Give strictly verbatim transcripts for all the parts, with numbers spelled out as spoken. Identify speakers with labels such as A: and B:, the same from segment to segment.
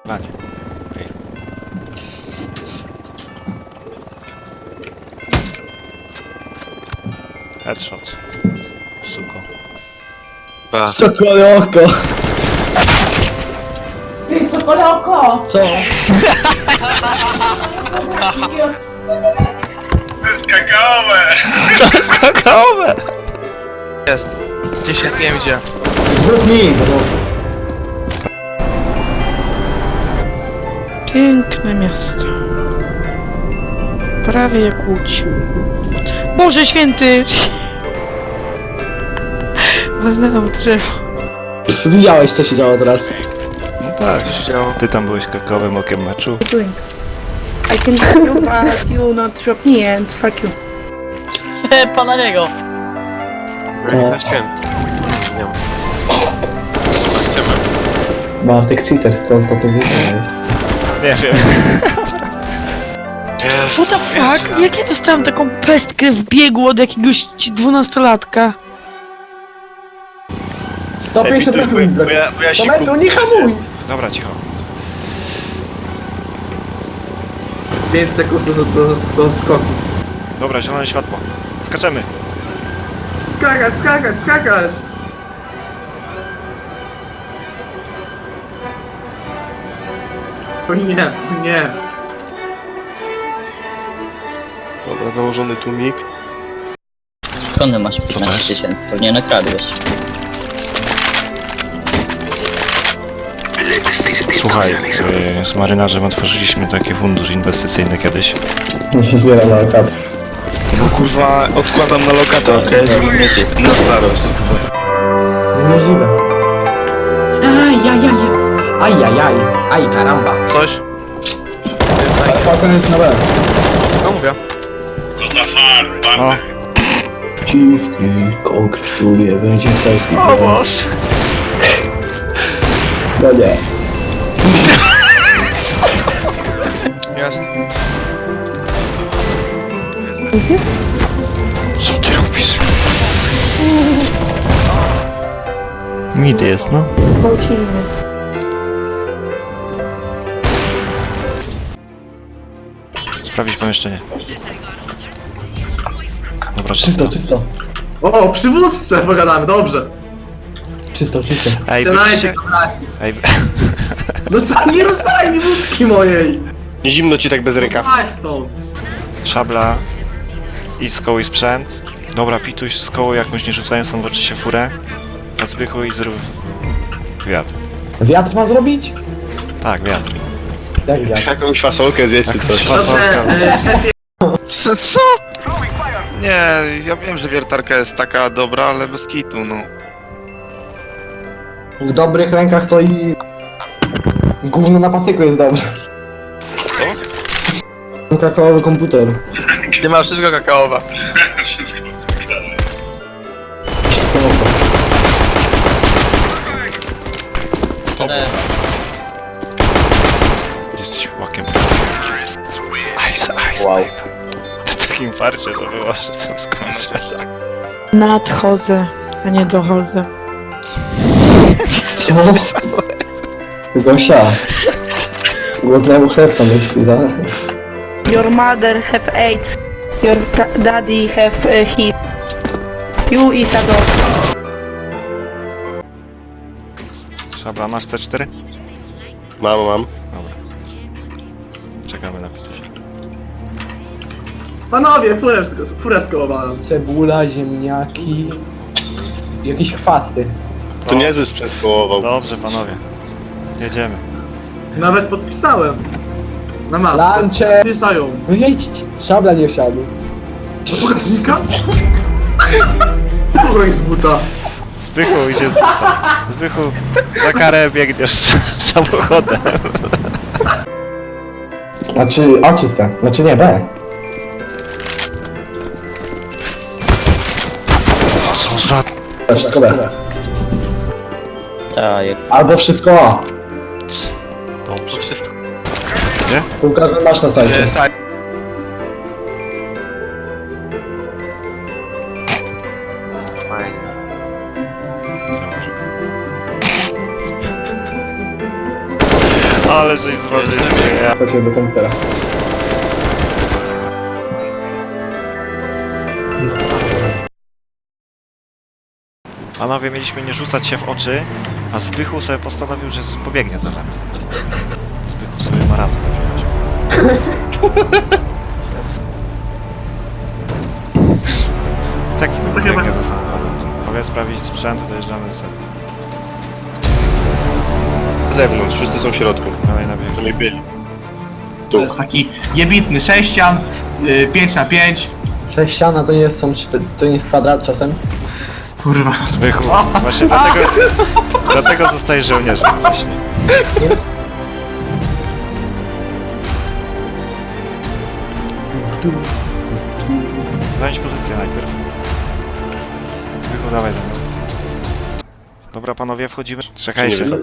A: A nie. Okej. Headshot. Suko.
B: Ba.
C: Sokole oko!
D: Ty, sokole oko!
C: Co?
E: To jest kakaowe!
A: To jest kakaowe!
B: Jest. Gdzieś jest, nie wiem gdzie.
C: Dwóch mi!
F: Piękne miasto. Prawie jak Łódź. Boże święty! Walnęłam w drzewo.
C: Widziałeś co się działo teraz?
A: No tak.
B: Co się działo?
A: Ty tam byłeś kakaowym okiem meczu.
F: Doing. I can help you, but you not drop me and fuck you.
G: Pana niego!
B: Byli na święty. Nie wiem. Zobaczymy.
C: Bartek cheater, skąd to tu wiedziałeś?
A: Nie wiem.
B: Jest.
F: What the fuck? Jak ja dostałam taką pestkę w biegu od jakiegoś dwunastolatka?
C: sto pięćdziesiąt
E: Ej,
C: metrów mi
E: bo ja, bo ja
C: sto
E: się
C: metrów, nie hamuj!
A: Dobra, cicho.
C: pięć sekund do, do, do skoku.
A: Dobra, zielone światło. Skaczemy.
C: Skakać, skakać, skakać! O nie, o nie.
B: Dobra, założony tłumik.
G: Skąd masz piętnaście tysięcy? Pewnie nakradłeś.
A: Słuchaj, yy, z marynarzem otworzyliśmy taki fundusz inwestycyjny kiedyś.
C: Zbieram na lokatę.
E: No kurwa, odkładam na lokatę, okej? Żeby mieć na starość.
C: Niemożliwe. Ajajaj. Ajajaj. Aj, karamba.
B: Coś?
C: Falcon jest na B.
B: No mówię.
E: Co za far,
A: O,
C: Dziwki, kok w studiu, będzie polski.
A: o Boże.
C: No nie.
B: Jest.
A: Co ty robisz? Mid jest, no.
F: Gwałcimy.
A: Sprawdzić pomieszczenie. Dobra,
C: Czysto,
A: czysto.
C: czysto.
H: O, przywódcę pogadamy, dobrze.
C: Czysto, czysto.
A: Ej,
H: Siadajcie,
A: byliście...
H: kochani.
A: Ej,
H: No co, nie rozdaj mi wódki mojej.
E: Nie zimno ci tak bez rękaw.
H: Chodź stąd.
A: szabla i z koło i sprzęt. Dobra, pituś z koło jakąś nie rzucając tam w oczy się furę. A zbychu i zrób... wiatr.
C: Wiatr ma zrobić?
A: Tak, wiatr.
C: Jak wiatr?
E: Jakąś fasolkę zjeść czy
A: Jakąś
E: coś.
A: fasolkę.
H: Dobrze, e, szefie,
E: Co? co? Nie, ja wiem, że wiertarka jest taka dobra, ale bez kitu, no.
C: W dobrych rękach to i... Gówno na patyku jest dobrze.
E: Co?
C: Kakaowy komputer.
B: Ty masz wszystko kakaowe.
E: Wszystko.
A: Jesteś łakiem. Ice, ice,
C: Wow.
A: pipe. W takim farcie to było, że to skończę.
F: Nadchodzę, a nie dochodzę.
C: Co? Gosia. Głodnemu chlebka myśli, tak?
F: Your mother have AIDS. Your ta- daddy have uh, H I V. You is a dog.
A: Szabla, masz C cztery?
E: Mam, mam.
A: Dobra. Czekamy na pitusia.
H: panowie, furę, furę skołowałem.
C: Cebula, ziemniaki... Jakieś chwasty.
E: To niezły sprzęt skołował.
A: Dobrze, panowie. Jedziemy.
H: Nawet podpisałem. Na masę.
C: Lunche!
H: Pisają.
C: No jedź, szabla nie wsiadł.
H: Do pokaźnika? Kogo ich z buta?
A: Zbychu idzie z buta. Zbychu, za karę biegniesz z samochodem.
C: Znaczy, A czyste. Znaczy nie, B.
A: Co za...
C: Wszystko B.
G: Tak, jak
C: Albo wszystko A.
A: Dobrze.
B: To wszystko.
C: Łukasz, masz na sajcie.
B: E, saj. Fajnie.
A: Ale żeś zważył. Ja.
C: Chodźmy do komputera.
A: Panowie, mieliśmy nie rzucać się w oczy, a Zbychu sobie postanowił, że pobiegnie za nami. Zbychu sobie maraton będzie. Tak Zbychu biegnie za samochodem. Mogę sprawdzić sprzęt, dojeżdżamy do celu.
E: Z zewnątrz, wszyscy są w środku.
A: Dalej na bieg.
E: Której byli.
H: To jest taki jebitny sześcian, y, pięć na pięć.
C: Sześciana to nie jest, są, czty- to nie jest kwadrat czasem?
H: Kurwa.
A: Zbychu, właśnie dlatego, dlatego zostajesz żołnierzem właśnie. Zająć pozycję najpierw. Zbychu, dawaj za mną. Dobra panowie, wchodzimy. Czekajcie. Go,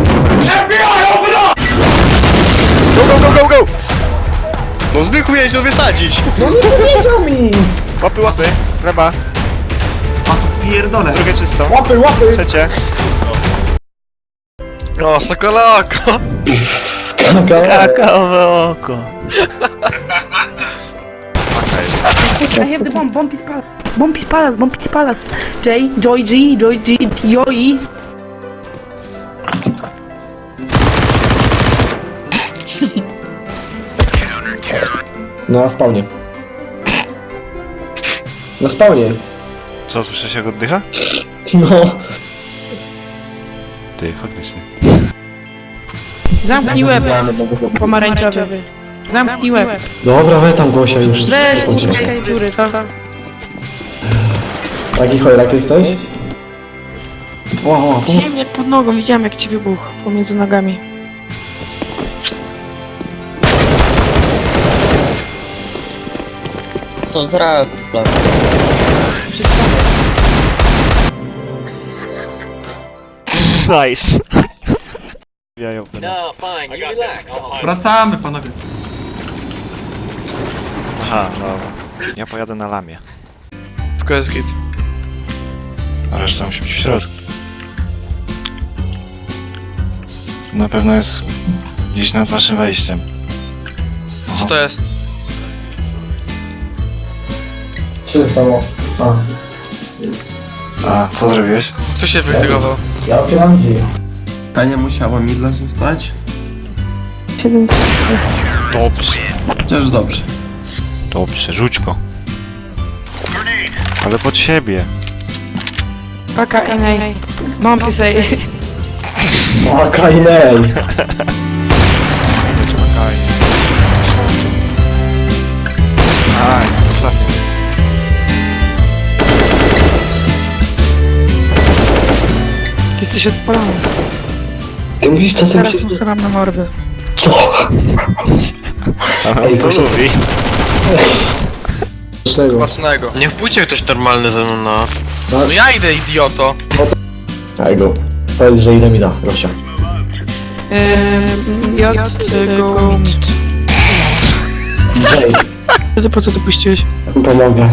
A: go, go, go, go!
E: No Zbychu miałeś to wysadzić!
C: No nie powiedział mi!
A: Łapy, łapy, chleba,
H: Was pierdolę.
A: drugie czysto.
C: Łapy, łapy!
A: Trzecie.
B: O, sokoloko!
A: Kakaowe oko.
F: I have the bomb, bomb is palace. Bomb is palace, bomb is palace. J, Joy G, Joy G, Joy.
C: No na spawnie. Na spawnie jest.
A: Co, słyszysz jak oddycha?
C: No.
A: Ty, faktycznie.
F: Zamknij łeb, pomarańczowy. Zamknij łeb.
C: Dobra, we tam Gosia już.
F: Weź,
C: Skończyłem.
F: uciekaj z góry, to.
C: Taki chojrak jesteś? O, o, pomóż.
F: Ziemniak pod nogą, widziałem jak ci wybuchł pomiędzy nogami.
G: Co z raku sprawy?
A: Nice. Jajo,
H: Wracamy, panowie.
A: Aha, no. Ja pojadę na lamie.
B: Tylko jest git.
A: A reszta musi być w środku. Na pewno jest gdzieś nad waszym wejściem.
B: Co to jest?
C: Trzy samo. A,
A: A, co zrobiłeś?
B: Kto się wytygował?
C: ja otwieram drzwi.
I: Tania musiała mi dla zostać?
A: Dobrze.
I: Chociaż dobrze.
A: Dobrze, rzuć go. Ale pod siebie.
F: Paka N A. Bomb is A.
C: O, Kainej!
A: Nice, ostatni.
F: Jesteś odpalony.
C: Ty musisz czasem
F: Teraz
C: się...
F: postaram na mordę.
C: Co?
A: Ale
C: Ej,
A: on to
C: to się-
A: lubi.
C: Czego?
B: Smacznego.
E: Nie wpójcie ktoś normalny ze mną na...
B: No ja idę, idioto!
C: Daj go. Powiedz, że ile mi da, Gosia.
F: Eee, J, go, mit.
C: Jay,
F: Ty po co to puściłeś?
C: pomogę.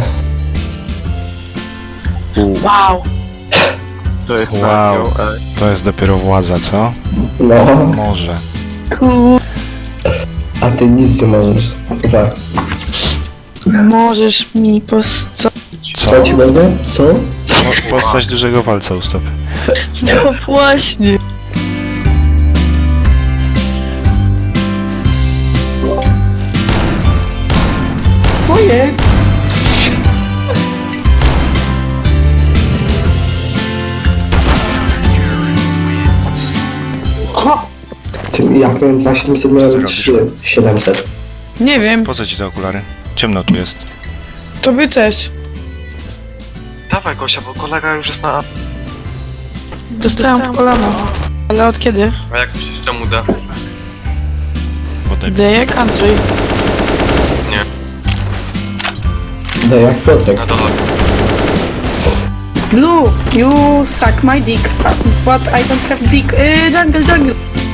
F: Wow!
E: To jest
A: Wow. To jest dopiero władza, co?
C: No,
A: Może.
F: Kur...
C: a ty nic nie możesz. Tak.
F: Możesz mi pos... Co?
A: Co?
C: Co ci będę? Co?
A: Mo- Postać dużego palca u stopy.
F: No właśnie.
C: Co jest? Ha! Ty, jak miałem dwa siedemset, miałem trzy siedemset.
F: Nie wiem,
A: Po co ci te okulary? Ciemno tu jest.
F: to by też.
B: Dawaj Gosia, bo kolega już jest na...
F: Dostałem w kolano. Ale od kiedy?
B: A jak myślisz, czemu da?
A: Potem.
F: D jak Andrzej.
C: Daj, jak Piotrek.
B: Na dole.
F: Blue, you suck my dick. But I don't have dick. Yy, jungle, jungle.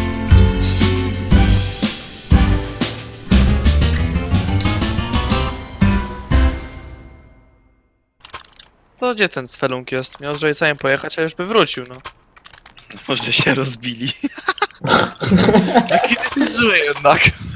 B: To gdzie ten Sfelunk jest? Miał z Joyce'em pojechać, a już by wrócił, no.
E: Może się rozbili.
B: Jaki ty zły jednak.